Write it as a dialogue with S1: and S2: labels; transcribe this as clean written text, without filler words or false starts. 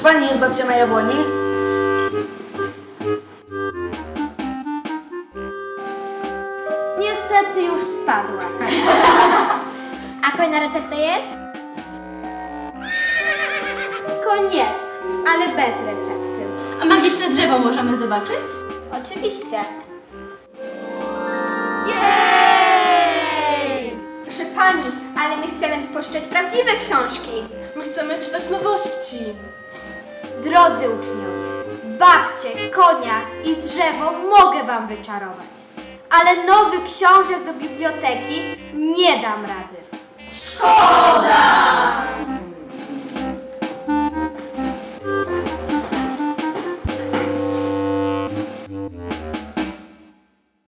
S1: pani jest babcia na jabłoni?
S2: Niestety już spadła.
S3: A kolejna recepta jest?
S2: Koń jest, ale bez recepty.
S4: A magiczne drzewo możemy zobaczyć?
S2: Oczywiście. Proszę pani, ale my chcemy wypuszczać prawdziwe książki.
S4: My chcemy czytać nowości.
S2: Drodzy uczniowie, babcie, konia i drzewo mogę wam wyczarować, ale nowych książek do biblioteki nie dam rady. Szkoda!